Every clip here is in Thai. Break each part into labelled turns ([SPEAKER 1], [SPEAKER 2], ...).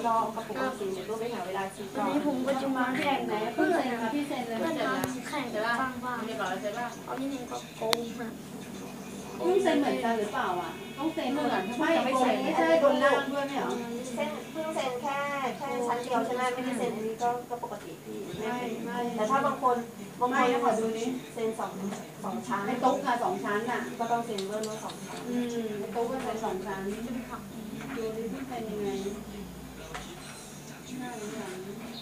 [SPEAKER 1] รอกับปกติเนี่ยต้องไปหาเวลาคิดก่อน
[SPEAKER 2] นี้ผมก็จะมาแข่งไหนเพื่อนพี่เซนเลย
[SPEAKER 3] เพื่อน
[SPEAKER 2] เพื่อน
[SPEAKER 3] ทำแข่งกันบ้าง
[SPEAKER 4] เรียบร้อยแล้วใช่ป่ะ
[SPEAKER 3] เอานี่หนึ่งก็โกงนะ
[SPEAKER 2] พี่เซนเหมือนกันหรือเปล่าอ่ะต้องเซนเหมือนไม่ไม่ใช่โดนล่างด้วยไม่เหรอ
[SPEAKER 1] เส้นเพิ่งเซ็นแค่ชั้นเดียวใช่ไหมไม่ได้เซ็นอันนี้ก็ปกติพี่ไม่แต่ถ้าบางคนขอดูนี้เซ็นสองชั้น
[SPEAKER 2] ไอ้ตุ๊กค่ะ2 ชั้นอ่ะ
[SPEAKER 1] ก็ต้องเซ็นเพิ่มว่า2 ชั้น
[SPEAKER 2] ไอ้ตุ๊กก็เป็น2 ชั้นดูดิพี่เป็นยังไงน่าหรือยัง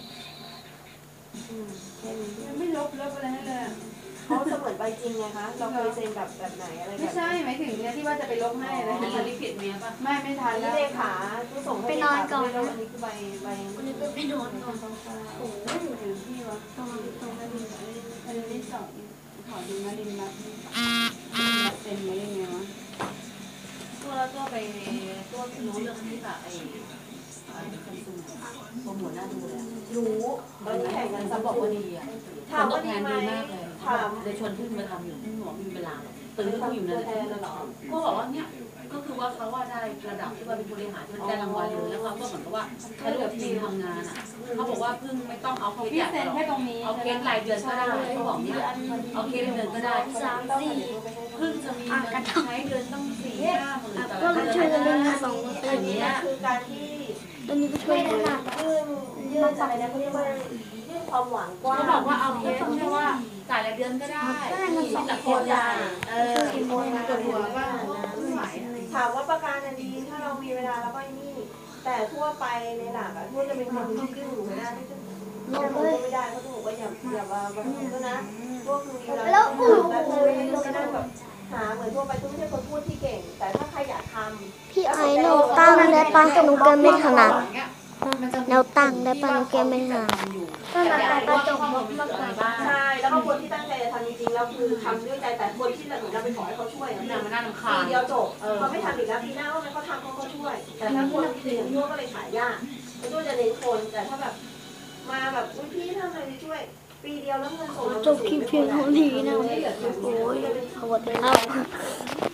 [SPEAKER 1] แค่นี้
[SPEAKER 2] ยังไม่ลบอะไรให้เลย
[SPEAKER 1] เขาเสมือนใบจริงไงคะเราเคยเซ็นแบบไหนอะไรแบบ
[SPEAKER 2] ไม่ใช่หมายถึงเนี่ยที่ว่าจะไปลบให้นะ
[SPEAKER 4] มีลิขิตเมียป่ะ
[SPEAKER 2] ไม่ทัน
[SPEAKER 1] นี่
[SPEAKER 2] แล้ว
[SPEAKER 1] เลขาผู้ส่งให้เลขาอันนี้คือใบ
[SPEAKER 3] วันนี้ก็ไปนอนก่อน
[SPEAKER 2] โอ้ยอยู่ที่วะตรงนารินอันนี้2ขอดูนารินรับเต็มเลยยังไงวะ
[SPEAKER 4] ตัวไปตัวรู้เรื่องที่แบบไอ้คนซุ่มโปรโมทน่าดูเลย
[SPEAKER 1] รู้ตอนนี้แข่งกัน
[SPEAKER 4] เขา
[SPEAKER 1] สำ
[SPEAKER 4] บอก
[SPEAKER 1] ค
[SPEAKER 4] ว่าน ดีอ่ะ
[SPEAKER 1] ถามว่า
[SPEAKER 4] แท
[SPEAKER 1] ดี
[SPEAKER 4] น
[SPEAKER 1] ไหม
[SPEAKER 4] ดีมากเลย
[SPEAKER 1] ถาม
[SPEAKER 4] เลยชวนขึ้นมาทำอยู่ที่หมอมีเวลาตื่นเขาอยู่
[SPEAKER 1] ตั
[SPEAKER 4] นั่
[SPEAKER 1] วน แท
[SPEAKER 4] แหละ
[SPEAKER 1] นน่ะเหรอ
[SPEAKER 4] ก็บอกว่าเนี่ยก็คือว่าเขาว่าได้ระดับที่ว่าเป็นบริหารที่ได้รางวัลเลยแล้วเขาก็เหมือนกับว่าเขาเลือกทีมทำงานอ่ะเขาบอกว่าเพิ่งไม่ต้องเอาเคส
[SPEAKER 2] พี่
[SPEAKER 4] ใหญ่
[SPEAKER 2] เซ็น
[SPEAKER 4] หรอก
[SPEAKER 2] แค่ตรงนี้
[SPEAKER 4] เอาเคสรายเดือนก็ได้เขาบอกเนี่ยเอาเคสเดือนก็ได้ เพิ่งจะมีเงินใช้เดือนต้อง4-5 หมื่นแต่
[SPEAKER 3] ก็
[SPEAKER 4] ละ
[SPEAKER 3] ช่วย
[SPEAKER 4] เดื
[SPEAKER 3] กั
[SPEAKER 4] อน น
[SPEAKER 3] เล่น
[SPEAKER 4] นะ
[SPEAKER 3] สองคน
[SPEAKER 1] อันนี้คือการที่
[SPEAKER 3] ตอนนี้ก็ช่วยกัน
[SPEAKER 1] ยื่นอะไรนะเขาเรียกว่ายื่นความหวังกว้าง
[SPEAKER 4] เขาบอกว่าเอาเคสเพราะว่าจ่ายรายเดือนก็ได้แต่โคตรใหญ่
[SPEAKER 1] กี่โมงปวดหัวว่าถามว่าประกันดีถ้าเรามีเวลาแล้วก็นี่แต่ทั่วไปในหลักอะทั่วจะเป็นคนที่ยื่นอยู่ไม่ได้ที่จะลงเลยไม่ได้เขาถูกว่าอย่ามาแบบนี้ก็นะพวกคือแล้วคือไม่นั่งแบบหาเหมือนทั่วไปตุ้ไม่ใช่คนพูดที่เก่ง แต่ถ้าใครอยากทำ
[SPEAKER 3] พี่ไอ้หนูตั้งได้ปะหนูแกไม่ถนัดแนวตั้งได้ปะหนูแกไม่ถนัด
[SPEAKER 4] ก็มาแต่กระจกมากบ้าง
[SPEAKER 1] ใช่แล้วก็คนที่ตั้งใจจะทำจริงๆแล้วคือทำด้วยใจแต่คนที่เราไปขอให้เขาช่วย
[SPEAKER 4] ที่นางมานั่งคา
[SPEAKER 1] ปีเดียวจบเขาไม่ทำอีกแล้วปีหน้าว่ามันเขาทำเขาก็ช่วย แต่ถ้าคนที่อย่างที่ว่าก็เลยขายยากเขาช่วยจะเน้นคนแต่ถ้าแบบมาแบบพี่ทำอะไรช่วย ปีเดียวแล้วเงินส่ง
[SPEAKER 3] จบคลิปเพียงเท่านี้นะโอ้ยสวัสดีครับ